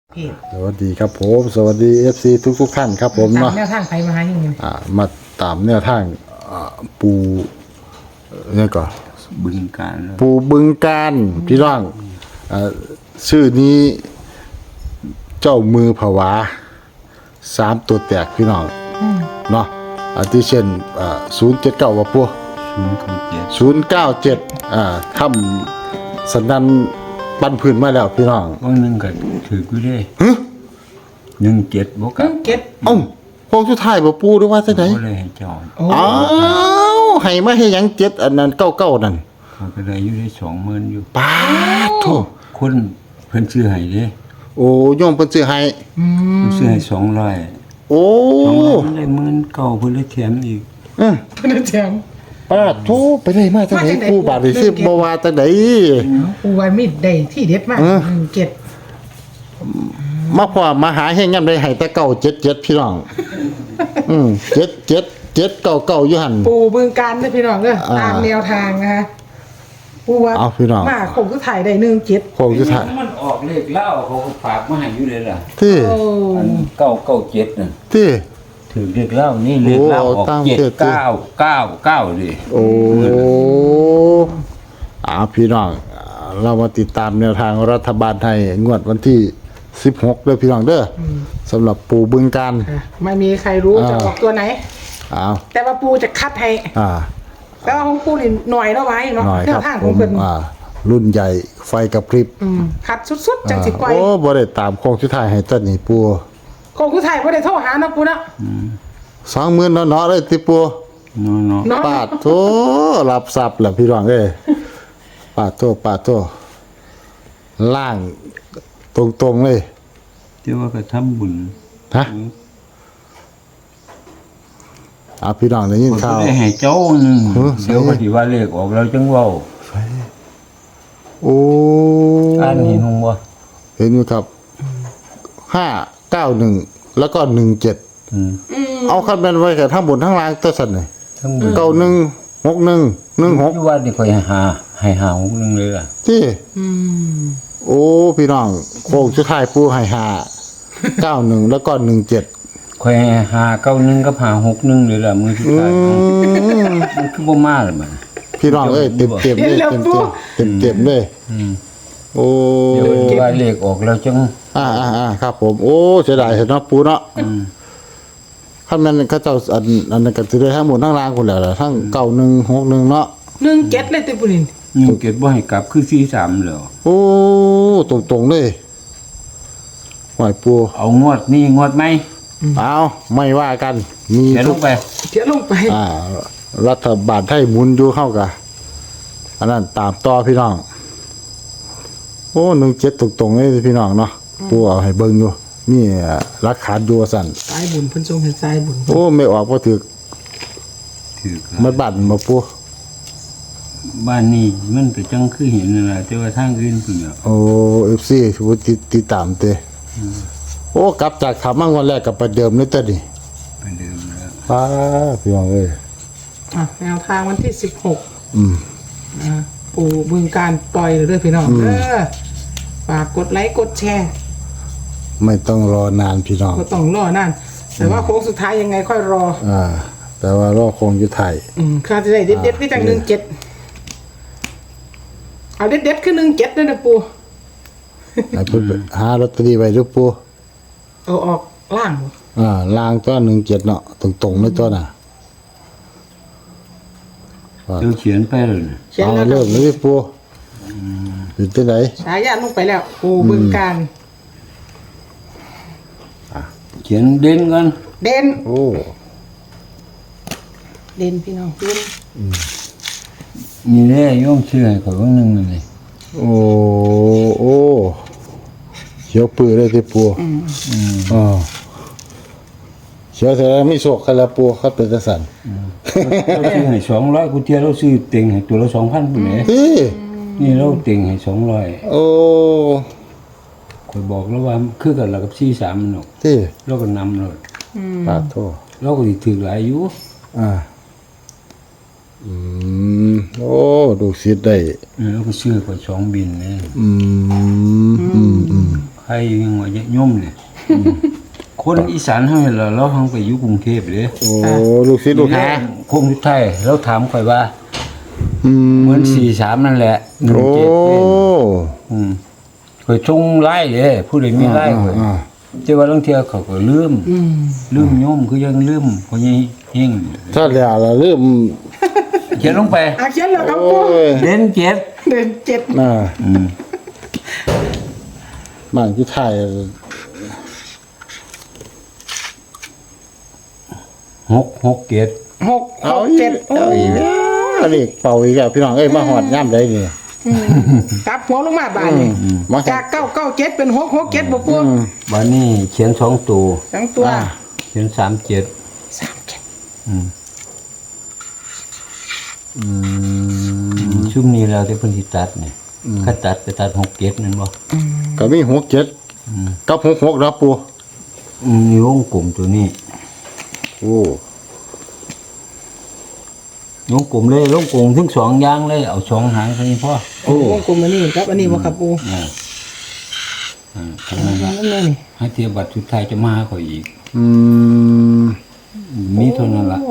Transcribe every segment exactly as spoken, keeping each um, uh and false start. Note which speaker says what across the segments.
Speaker 1: เพจ
Speaker 2: สวัสดีครับผมสวัสดี เอฟ ซี ทุกทุกท่านครับผมเนาะ
Speaker 1: แนวทางไปมาหาอย่างนี้
Speaker 2: อ่ามาตามแนวทางอ่าปูเนี่ยก่อน
Speaker 3: บึงการแล้ว
Speaker 2: ปูบึงการพี่น้องอ่าชื่อนี้เจ้ามือผวาสามตัวแตกพี่น้องเนาะอาทิเช่นอ่าศูนย์เจ็ดเก้าว่าปู
Speaker 3: ศูนย์เก้าเจ็ด
Speaker 2: ศูนย์เก้าเจ็ดอ่าทำสันนันปันพื้นมาแล้วพี่น้อง
Speaker 3: วันหนึ่งก็ถือกูได้หนึ่งเจ็ดบวก
Speaker 1: เพิ่
Speaker 3: กับ
Speaker 1: งเก็บ
Speaker 2: เอ้าโค้งสุดท้ายบ่ปูหรือว่าจังได๋
Speaker 3: ก็เลยเห็นจอด
Speaker 1: โอ้
Speaker 2: อ้าวให้มาให้หยังเจ็ดอันนั้นเก้าเก้านั่น
Speaker 3: เขาก็ได้อยู่ได้สองหมื่นอยู่
Speaker 2: ปาดโถ
Speaker 3: คนเพิ่นซื้อให้เด้
Speaker 2: โอ้โยมเพิ่นซื้อให้
Speaker 1: อืม
Speaker 3: เพิ่นซื้อให้สองร้อย
Speaker 2: โอ้
Speaker 3: สองร้อยมันได้หมื่นเก้าเพิ่นเลยแถมอีก
Speaker 2: อือ
Speaker 1: เพิ่นแจม
Speaker 2: ปาดโถไปได้มาจังได๋
Speaker 1: มาจังใด
Speaker 2: ผู้บาดนี่สิบ่ว่าจังได๋
Speaker 1: ปูไว้มีดได้ที่เด็ดมาก
Speaker 2: เออ
Speaker 1: หนึ่งเก็บ
Speaker 2: มาพอมาหาเฮงยามใดให้แต่เก้าเจ็ดเจ็ดพี่น้องอืมเจ็ดเจ็ดเจ็ดเก้าเก้าอยู่หั่น
Speaker 1: ปูบึงการนะพี่น้องเด้อ
Speaker 2: อ่า
Speaker 1: ตามแนวทางนะคะปูว่า
Speaker 2: เอาพี่น้อง
Speaker 1: มาคงก็ถ่ายได้หนึ่งเจ็ด
Speaker 2: โค้งสุดท้าย
Speaker 3: มันออกเลขเล่าเขาก็ฝากมาให้อยู่เลยล่ะ
Speaker 2: ที่
Speaker 1: โอ้
Speaker 3: อันเก้าเก้าเจ็ดน่ะ
Speaker 2: ที่
Speaker 3: ถือเลขเล่านี่เลขเล่าออก
Speaker 2: โอ้ตาม
Speaker 3: เจ็ด
Speaker 2: เจ็ด
Speaker 3: เก้าเก้าเก้าดิ
Speaker 2: โอ้อาพี่น้องอ่าเรามาติดตามแนวทางรัฐบาลไทยงวดวันที่สิบหกเด้อพี่น้องเด้ออสำหรับปูบึงการ
Speaker 1: อ่ะไม่มีใครรู้
Speaker 2: อ่า
Speaker 1: จะออกตัวไหน
Speaker 2: อ้าว
Speaker 1: แต่ว่าปูจะคัดให้
Speaker 2: อ่า
Speaker 1: แต่ว่าของปูนี่หน่อยแล้วไว้เนาะ
Speaker 2: หน่อย
Speaker 1: แน
Speaker 2: ครั
Speaker 1: ว
Speaker 2: บ
Speaker 1: ทาง
Speaker 2: ผ
Speaker 1: ของ
Speaker 2: ม
Speaker 1: เพิ่น
Speaker 2: อ่า รุ่นใหญ่ไฟกับพริบ
Speaker 1: อืมคัดสุดๆจังสิปล่อย
Speaker 2: โอ้บ่ได้ตามโค้งสุดท้ายให้ต้นนี่ปู
Speaker 1: คงคือถ่ายบ่ได้โทรหาเนาะปูเนาะ
Speaker 2: สองหมื่นเนาะๆเลยติปู
Speaker 3: เนาะเนาะ
Speaker 1: เนาะ
Speaker 2: ปาดโตรับทรัพย์แหละพี่น้องเอ้ยปาดโตปาดโตล่างตรงๆเลย
Speaker 3: เจ้าว่าก็ทำบุญ
Speaker 2: ฮะอ่าพี่น้องได้ยิน
Speaker 3: มัน
Speaker 2: ข่า
Speaker 3: ก็
Speaker 2: ว
Speaker 3: ได้ให้เจ้าหนึง
Speaker 2: เออ
Speaker 3: เดี๋ยวก็สิว่าเลขออกแล้วจังเว้า
Speaker 2: โอ้
Speaker 3: อ่านเห็นหงบ่
Speaker 2: เห็นอยู่ครับห้าเก้าหนึ่งแล้วก็หนึ่งเจ็ด
Speaker 3: อืม
Speaker 2: เอาคันแม่นไว้กับทั้งบนทั้งล่างตัวสั่นเลย
Speaker 3: ทั้งหมด
Speaker 2: เก้าหนึ่งหกหนึ่งหนึ่งหก
Speaker 3: อยู่ว่านี่ค่อยหาให้หาหกหนึงเลยล่ะ
Speaker 2: ที่
Speaker 1: อืม
Speaker 2: โอ้พี่น้องโค้งสุดท้ายปูให้ห้าเก้าหนึ่งแล้วก็หนึ่งเจ็ด
Speaker 3: ค่อยให้หาเก้าหนึงกับหาหกหนึงเลยล่ะมือสุด
Speaker 2: อื
Speaker 3: ท้าย
Speaker 2: ม
Speaker 3: มันคือบ่มาเลยมัน
Speaker 2: พี่น้องเอ้ยเต็มเต็มๆเลยเต็มเต็มเต็มเต็มๆเลย
Speaker 3: อืม
Speaker 2: โอ้
Speaker 3: เดี๋ยวว่าเลขออกแล้วจัง
Speaker 2: อ่าอ่าอ่าครับ ผมโอ้เสียดายเห็นเนาะปูเนาะ
Speaker 3: อืม
Speaker 2: คันแม่นเขาเจ้าอันอันนั้นก็สิได้ทั้งหมดทั้งล่างคนแล้วล่ะทั้งเก้าหนึ่งหกหนึ่งเนาะ
Speaker 1: หนึ่งเจ็ดเลยติปูนิน
Speaker 3: หนึ่งเก็บบ่ให้กลับคือสี่สามแล้ว
Speaker 2: โอ้ตรงตรงๆเลยหอยปู
Speaker 3: เอางวดนี้งวดไหม
Speaker 2: เอาไม่ว่ากัน มี
Speaker 3: เขียนล
Speaker 2: ทุ
Speaker 3: ง
Speaker 2: ก
Speaker 3: ไป
Speaker 1: เขียนลงไป
Speaker 2: อ่า รัฐบาลไทยหมุนอยู่เข้ากันอันนั้นตามต่อพี่น้อง โอ้หนึ่งเจ็ดตรงตรงๆเลยพี่น้องเนาะปูเอาให้เบิ่งอยู่มีรักขาดอยู่ว่าสั่น
Speaker 1: สายบุญเพิ่นทรงเห็นสายบุญ
Speaker 2: โอ้ไม่ออกพอถือ
Speaker 3: ถือ
Speaker 2: ไม่บั่นมาปู
Speaker 3: บ้านนี้มันก็จังคือเห็นนั่นล่ะแต่ว่าทางอื่นเพิ่นน่ะ
Speaker 2: โอ้เอฟซีถือว่าติดติดตามเตะโอ้กลับจากขามั่งวันแรกกับประเดิมนี่ตัวนี่
Speaker 3: ไปเดิมแล้ว
Speaker 2: ป้าพี่น้องเอ้ย
Speaker 1: อ่ะแนวทางวันที่สิบหก
Speaker 2: อืม
Speaker 1: อ่าปูบึงการปล่อยเลยเด้อพี่น้องเด้อฝากกดไลค์กดแชร์
Speaker 2: ไม่ต้องรอนานพี่น้อง
Speaker 1: ก็ต้องรอนั่นแต่ว่าโค้งสุดท้ายยังไงค่อยรอ
Speaker 2: อ่า แต่ว่ารอคงอยู่ไทย
Speaker 1: อืมข้าจะได้เด็ดเด็ดที่จังหนึ่งเจ็ดเอาเด็ดเด็ดคือหนึ่งเจ็ดด้วยนะปู
Speaker 2: ให้เพิ่นไปหาลอตเตอรี่ไว้หรือปู
Speaker 1: เอาออกล่างบ่
Speaker 2: อ่าลางตัวหนึ่งเจ็ดเนาะตรงตรงๆเลยตัวน่ะ
Speaker 3: เดี๋ยวเขียนไปเลยน่ะ
Speaker 1: เขียน
Speaker 2: เอา
Speaker 1: แล้ว
Speaker 2: เริ่มเลยปูอยู่ที่ไหน
Speaker 1: ฉายาลงไปแล้วปูบึงการ
Speaker 3: เขียนเด่นกัน
Speaker 1: เด่น
Speaker 2: โอ้
Speaker 1: เด่นพี่น้องเด่น
Speaker 3: นี่แหละโยมเชื่อให้ข่อยว่านึงนั่นนี่
Speaker 2: โอ้โอ้เขียวปื้อเลยที่ปู
Speaker 1: อืม
Speaker 2: อ๋อเขียวแต่ละไม่โศกกันละปูครับเป็นจังซั่น
Speaker 3: เราซื้อให้สองร้อยกูเที่ยวเราซื้อเต็งให้ตัวละสองพันพุ่นแหละ
Speaker 2: ที่
Speaker 3: นี่เราเต็งให้สองร้อย
Speaker 2: โอ้
Speaker 3: ข่อยบอกแล้วว่าคือกันแล้วกับสี่สามมันเนาะ
Speaker 2: ที่
Speaker 3: เราก็นำเลย
Speaker 2: ปาโท
Speaker 3: เราก็สิถือหลายอยู่
Speaker 2: อ่าอืมโอ้ดูสิได้
Speaker 3: เออเราก็ซื้อข่อยสองบินนี่
Speaker 2: อืมอืมอืม
Speaker 3: หใครยังว่าจะย่อมเนี่ยคนอีสานเฮานี่ล่ะเราเฮาไปอยู่กรุงเทพเด้
Speaker 2: โอ้ลูกศิษย์ลูกหา
Speaker 3: คงสุดท้ายเราถามข่อยว่า
Speaker 2: อืม
Speaker 3: เหมือนสี่สามนั่นแหละหนึ่ง
Speaker 2: โอ้
Speaker 3: เจ็ดอืมข่อยชงไล่เด้ผู้ใดมีไล่ข่อย
Speaker 2: อ่า
Speaker 3: แต่ว่าลางเที่ยเขาก็ลืม
Speaker 1: อืม
Speaker 3: ลืมโยมคือยังลืมเพราะยังเฮง
Speaker 2: ถ้าแล้วล่ะลืม
Speaker 3: เขียนลงไป
Speaker 1: อาเขียนแล้วครับ
Speaker 2: โอ้
Speaker 1: ปู
Speaker 2: ย
Speaker 3: เด่นเจ็ด
Speaker 1: เดินเจ็ด
Speaker 2: อ่า
Speaker 3: อืม
Speaker 2: บ้านที่ไทย
Speaker 3: หกหกเจ็ด
Speaker 1: หกห
Speaker 2: เอา
Speaker 1: ก
Speaker 2: อี
Speaker 1: เจ็
Speaker 2: ก
Speaker 1: ดโอ้
Speaker 2: เอาอีกแล้วนี่เป่าอีกแล้วพี่น้องเอ้ยมาหอดย่ำได้นี่
Speaker 1: กลับหัวลงมาบานนี่
Speaker 2: มา
Speaker 1: จากเก้าเก้าเจ็ดเป็นหกหกเจ็ดบ่ปู
Speaker 3: วันนี้เขียนสองตัว
Speaker 1: ทั้งตัว
Speaker 2: อ่า
Speaker 3: เขียนสามเจ็ด
Speaker 1: สามเจ็ด
Speaker 3: อืม
Speaker 2: อืม
Speaker 3: ชุ่มนี้แล้วที่เพิ่นสิตัดเนี่ยถ้าตัดไปตัดหกเจ็ดนั่นบ่
Speaker 2: ก็มีหกเจ็ดกับหกหกแล้วปู
Speaker 3: อืมมีวงกลมตัวนี้
Speaker 2: โอ้
Speaker 3: วงกลมเลยลงกลมทั้งสองอย่างเลยเอาสองหางเท่านี้พอ
Speaker 1: โอ้วงกลมอันนี้ครับอันนี้บ่ครับปู
Speaker 3: อ่าอ่าทำนั้นละ
Speaker 1: นั่นนี่
Speaker 3: ให้เทียบบัตรสุดท้ายจะมาหาข่อยอีก
Speaker 2: อืม
Speaker 3: มีเท่านั้นละ
Speaker 1: โอ้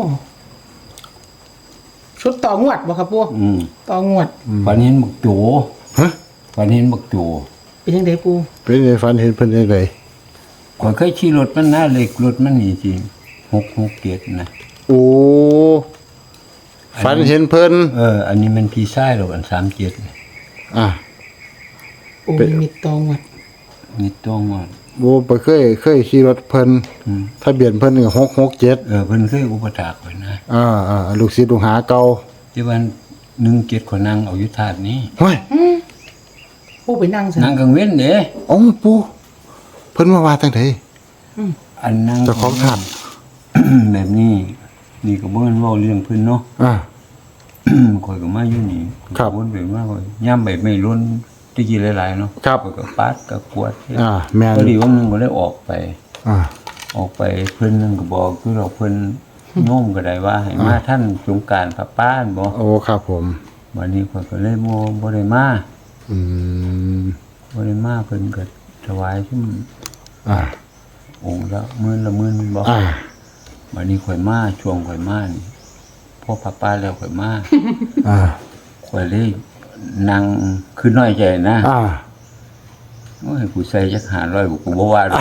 Speaker 1: ชุดต่องวดบ่ครับปู
Speaker 3: อืม
Speaker 1: ต่องวด
Speaker 3: ฝันเห็นบักโจ
Speaker 2: ฮะ
Speaker 3: ฝันเห็นบักโจ
Speaker 1: เป็นยังไงปู
Speaker 2: เป็นในฝันเห็นเพิ่นยังไง
Speaker 3: ข่อยเคยขี่รถมันนะเหล็กรถมันนี่สิหกหกเจ็ดนะ
Speaker 2: โอ้ฝันเห็นเพิ่น
Speaker 3: เออ อันนี้มันพี่ชายหรอกอันสามเจ็ด
Speaker 2: อ่ะ
Speaker 1: โอ้
Speaker 2: เป็น
Speaker 1: มีต่องวด
Speaker 3: มีต้องว่า
Speaker 2: โอ้ไปเคยเคยขี่รถเพิ่น
Speaker 3: อืม
Speaker 2: ทะเบียนเพิ่นนี่หกหกเจ็ด
Speaker 3: เออเพิ่นเคยอุปถากไว้นะ
Speaker 2: อ่าอ่าลูกศิษย์ลูกหาเก่า
Speaker 3: ที่ว่าหนึ่งเจ็ดคนนั่งเอาอยุธาตุนี้
Speaker 2: เฮ้ย
Speaker 1: ปูไปนั่งซะ
Speaker 3: นั่งกังเว้นเด้
Speaker 2: เอ้าปูเพิ่นมาว่าจังได
Speaker 3: อันนั่ง
Speaker 2: เจ้าของถาม
Speaker 3: แบบนี้ นี่ก็บ่แม่นเว้าเรื่องเพิ่นเนาะ
Speaker 2: อ่า
Speaker 3: ข่อยก็มาอยู่นี่
Speaker 2: ครับ
Speaker 3: วนไปมาข่อยย่ำใบไม่ล้นที่กี่หลายๆเนาะ
Speaker 2: ครับ
Speaker 3: ข่อยก็ปาดก็กวด
Speaker 2: อ่าแม่น
Speaker 3: พอดีวันหนึงก็ได้ออกไป
Speaker 2: อ่า
Speaker 3: ออกไปเพิ่นนึงก็บอกคือเราเพิ่นโน้มก็ได้ว่าให้มาท่านสงกรานต์พระป้านบ่
Speaker 2: โอ้ครับผม
Speaker 3: วันนี้ข่อยก็เลยบ่บ่ได้มา
Speaker 2: อืม
Speaker 3: บ่ได้มาเพิ่นก็ถวายซุ่ม
Speaker 2: อ่า
Speaker 3: องค์ละหมื่นละหมื่นบ่
Speaker 2: อ่า
Speaker 3: วันนี้ข่อยมาช่วงข่อยมานี่พอพระป้าแล้วข่อยมา
Speaker 2: อ่า
Speaker 3: ข่อยเลยนั่งคือน้อยใจนะ
Speaker 2: อ่า
Speaker 3: โอ้ยกูใส่จักห้าร้อยกูก็บ่ว่าดอก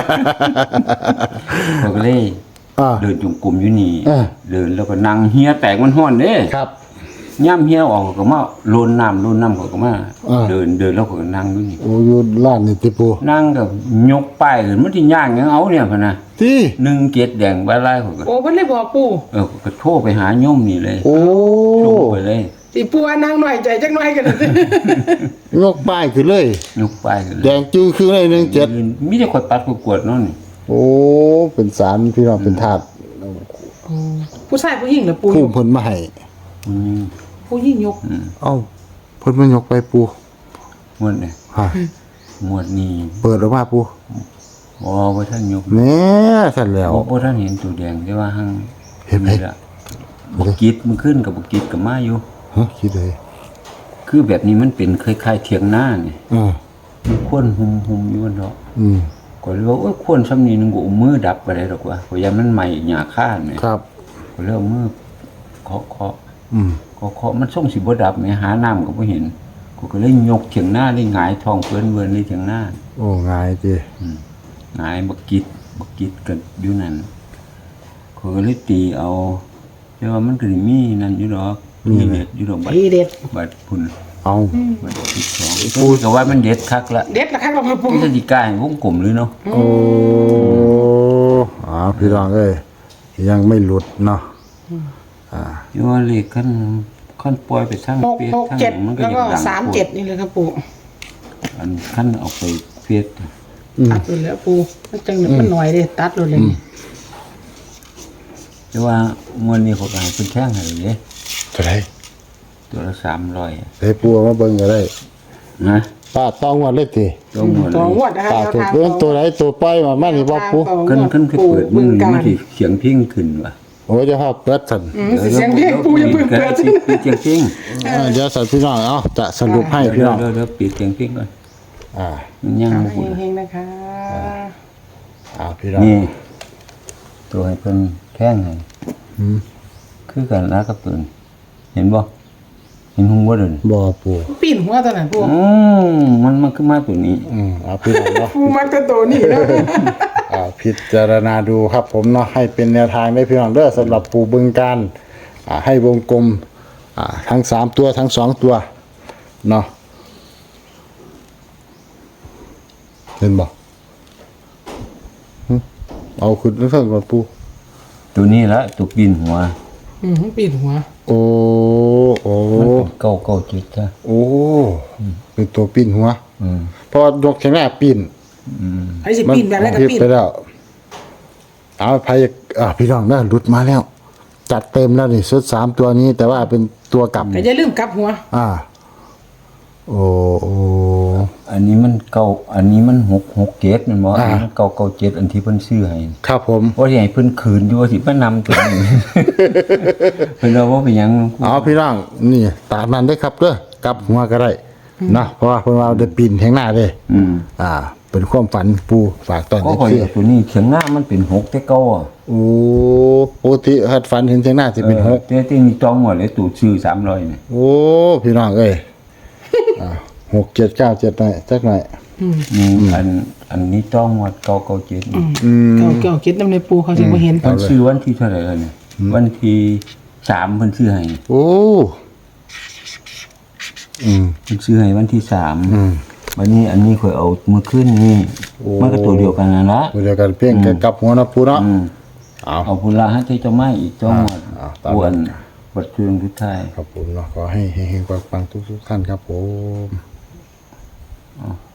Speaker 3: ข่อยก็เลย
Speaker 2: อ่า
Speaker 3: เดินจงกรมอยู่นี่
Speaker 2: เออ
Speaker 3: เดินแล้วก็นั่งเฮียแตกมันฮ้อนเด้
Speaker 2: ครับ
Speaker 3: ย่ำเฮียออกก็มาโลนน้ำโลนน้ำเขาก็มา
Speaker 2: อ่า
Speaker 3: เดินเดินแล้วเขาก็นั่งอยู่นี่
Speaker 2: โอ้อยู่ร้านนี่ติปู
Speaker 3: นั่งกับยกป้ายขึ้นมันที่ย่างหยังเอาเนี่ยพะนะ
Speaker 2: ที่
Speaker 3: หนึ่งเจ็ดแดงใบลายเขาก็
Speaker 1: โอ้เพิ่นเลยบอกปู
Speaker 3: เออก็โทรไปหาโยมนี่เลย
Speaker 2: โอ้
Speaker 3: โทรไปเลย
Speaker 1: สิปูว่านั่งหน่อยใจจักหน่อยกัน
Speaker 2: ยกป้ายขึ้นเลย
Speaker 3: ยกป้ายขึ้นเล
Speaker 2: แด
Speaker 3: ย
Speaker 2: งจึงคือเลยหนึ่งเจ็ด
Speaker 3: มีแต่คนปัดกวดๆเนั่นนี่
Speaker 2: โอ้ เป็นสารพี่น้องเป็นถาด
Speaker 1: ผู้ชายผู้หญิงเหรอปู
Speaker 2: ผู้เพิ่นมาให้
Speaker 3: อืม
Speaker 1: ผู้หญิงยก
Speaker 2: เอ้าเพิ่นมายกไปปู
Speaker 3: งวดเนี่ย
Speaker 2: ฮะ
Speaker 3: งวดนี้
Speaker 2: เปิดออกมาปู
Speaker 3: อ๋อว่าท่านยก
Speaker 2: แหน่สั่นแล้ว
Speaker 3: บ่บ่ท่านเห็นตัวแดงแต่ว่าหัง
Speaker 2: เห็นไหม
Speaker 3: ละบกกิดมันขึ้นกับบ่กิดกับมาอยู่
Speaker 2: ฮะคิดเลย
Speaker 3: คือแบบนี้มันเป็นคล้ายๆเถียงหน้านี่
Speaker 2: อ่า
Speaker 3: มีควนหุมหุมอยู่บนเนาะ
Speaker 2: อืม
Speaker 3: ก็เลยว่าโอ้ยควนซ้ำนี้นึงกูเอามือดับไปได้ดอกว่าเพราะยามมันใหม่หญ้าค่าเนี่ย
Speaker 2: ครับ
Speaker 3: ก็เลยเอามือเคาะเคาะ
Speaker 2: อืม
Speaker 3: เคาะเคาะมันส่งสิบ่ดับแม่หาน้ำก็บ่เห็นกูก็เลยยกเถียงหน้าเลยหงายท้องเปิ้นเวินเลยเถียงหน้า
Speaker 2: โอ้ง่ายจี
Speaker 3: อืมหงายบักกิดบักกิดกันอยู่นั่นเขาก็เลยตีเอาแต่ว่ามันก็สิมีนั่นอยู่ดอกมีเด็ดอยู่ดอกบัด
Speaker 1: ทีเด็ด
Speaker 3: บัดพุ่น
Speaker 2: เอา
Speaker 3: บัดที่สองพูดก็ว่ามันเด็ดคักละ
Speaker 1: เด็ดละครับเราปู
Speaker 3: มันจะดีกายให้วงกลมเลยเนาะ
Speaker 2: โอ้อ่าพี่น้องเอ้ยยังไม่หลุดเนาะอ่า
Speaker 3: อยู่ว่าเลขขั้นขั้นปล่อยไปทาง
Speaker 1: หก
Speaker 3: เปีย
Speaker 1: หก
Speaker 3: ทาง
Speaker 1: เจ็ด
Speaker 3: มันก็
Speaker 1: แล้ว
Speaker 3: ยัง
Speaker 1: ก็
Speaker 3: ดัง
Speaker 1: สามเจ็ดนี่เลยครับปู
Speaker 3: อันขั้นเอาไปเปีย
Speaker 2: อืม
Speaker 1: ตัดเลยแล้วปูมันจังมันหน่อยเลยตัดเลยเลย
Speaker 3: แต่ว่ามวนนี้เขาก็ให้เพิ่นแท่งให้เลยเด้
Speaker 2: เท่าไหร่
Speaker 3: ตัวละสามร้อย
Speaker 2: ได้ปูเอามาเบิ่งก็ได้
Speaker 3: นะ
Speaker 2: ป้าต้องว่าเลยติ
Speaker 3: ลงหมดเล
Speaker 1: ต่อง
Speaker 3: ยว
Speaker 1: ดนะคะ
Speaker 2: ป้า
Speaker 1: แนว
Speaker 2: ถูก
Speaker 1: ทาง
Speaker 2: เบิ่งตัวไหนตัวปล่อยมามานี่บ่ปู
Speaker 3: ขึ้นขึ้นขึ้นเปิดมือนี่มันสิเสียงพิ้งขึ้นว่ะ
Speaker 2: โอ้ยจะฮอบเปิดสั่น
Speaker 1: อืมสิเสียงเพลงปูอย่าเพิ่งเปิด
Speaker 3: ปิดเสียงพิ้ง
Speaker 2: อ่าเดี๋ยวสั่นพี่น้องเอาจะสรุปให้พี่น้อง
Speaker 3: เดี๋ยวเดี๋ยวปิดเสียงพิ้งก่อน
Speaker 2: อ่า
Speaker 3: มันยัง
Speaker 1: เอา
Speaker 3: บ่พูด
Speaker 1: เฮงๆนะคะ
Speaker 2: อ่าพี่น้อง
Speaker 3: นี่ ตัวให้เพิ่นแท่งให้
Speaker 2: อืม
Speaker 3: คือกันนะกับตัวนี้เห็นบ่เห็นหุงบ่เด้อ
Speaker 2: บ่ปู
Speaker 1: ปีนหัวตอนนั้นปู
Speaker 3: อืมมันมันคือมาตัวนี้
Speaker 2: อืมเอาพี่น้องเนาะ
Speaker 1: ปูมักจะโตนี่แล้ว
Speaker 2: อ่าพิจารณาดูครับผมเนาะให้เป็นแนวทางได้พี่น้องเด้อสำหรับปูบึงการอ่าให้วงกลมอ่าทั้งสามตัวทั้งสองตัวเนาะเห็นบ่หึเอาขึ้นแล้วเพิ่งก่อนปู
Speaker 3: ตัวนี้ละตัวปีนหัว
Speaker 1: อืมปีนหัว
Speaker 2: โอ้โอ้
Speaker 3: มันเป็นเก้าเก้าเจ็ดจ้ะ
Speaker 2: โอ้เป็นตัวปิ้นหัว
Speaker 3: อืม
Speaker 2: เพราะว่ายกแข็งแรงปิ้น
Speaker 3: อืม
Speaker 1: ไอ้สิปีนแบบแรกก็
Speaker 2: ผิด
Speaker 1: ปีน
Speaker 2: ไปแล้วเอาไพ่อ่าพี่น้องได้หลุดมาแล้ว จัดเต็มแล้วนี่ชุดสามตัวนี้ แต่ว่าเป็นตัวกลับ
Speaker 1: แต่อย่าลืมกลับหัว
Speaker 2: อ่า โอ้โอ้
Speaker 3: อันนี้มันเก้าอันนี้มันหกหกเจ็ดแมันบ่
Speaker 2: อ่า
Speaker 3: อันนี้มันเก้าเก้าเจ็ดอันที่เพิ่นซื้อให้
Speaker 2: ครับผม
Speaker 3: ว่าสิให้เพิ่นคืนอยู่ว่าสิมานำตัวนี้ เพิ่นเอาว่าเป็นหยัง
Speaker 2: เอาพี่น้องนี่ตามนั้นได้ครับเด้อกลับหัวก็ได้นะเพราะว่าเพิ่นว่าได้ปีนแห่งหน้าเด้
Speaker 3: อืม
Speaker 2: อ่า เป็นความฝันปูฝากตอน
Speaker 3: ก็
Speaker 2: นี้
Speaker 3: ข่อย
Speaker 2: คือ
Speaker 3: เอาตัวนี้เขียงหน้ามันเป็นหกแต่เก่าอ่ะ
Speaker 2: โอ้ปกติหัดฝันเห็นแห่งหน้าสิเป็นหก
Speaker 3: แต่ที่นี่จองหมดเลยตู่ซื้อสามร้อยเนี่ย
Speaker 2: โอ้พี่น้องเอ้ยอ่าหกเจ็ดเก้าเจ็ดหน่อยจักหน่อย
Speaker 3: นี่อันอันนี้จองหมดเก้าเก้าเจ็ดนี่
Speaker 2: อืม
Speaker 1: เก่าเก่าคิดน้ำในปูเขาสิบ่เห็น
Speaker 3: เพิ่นซื้อวันที่เท่าไหร่แล้วเนี่ยวันที่สามเพิ่นซื้อให้
Speaker 2: โอ้ อืม
Speaker 3: เพิ่นซื้อให้วันที่สาม
Speaker 2: อืม
Speaker 3: วันนี้อันนี้ข่อยเอาเมื่อคืนนี่
Speaker 2: โอ้
Speaker 3: มันก็ตัวเดียวกันนั่นละ
Speaker 2: เดียวกันเพียงแต่กลับหัวนะปูเนาะ
Speaker 3: อืม
Speaker 2: เอา
Speaker 3: เอาพุ่นละให้เจ้าไม้อีกจองหมด
Speaker 2: อ่าตามนั้น
Speaker 3: อ้วนบัดเครื่องทุกท้าย
Speaker 2: ครับผมเนาะขอให้เฮงๆปังๆทุกๆท่านครับผม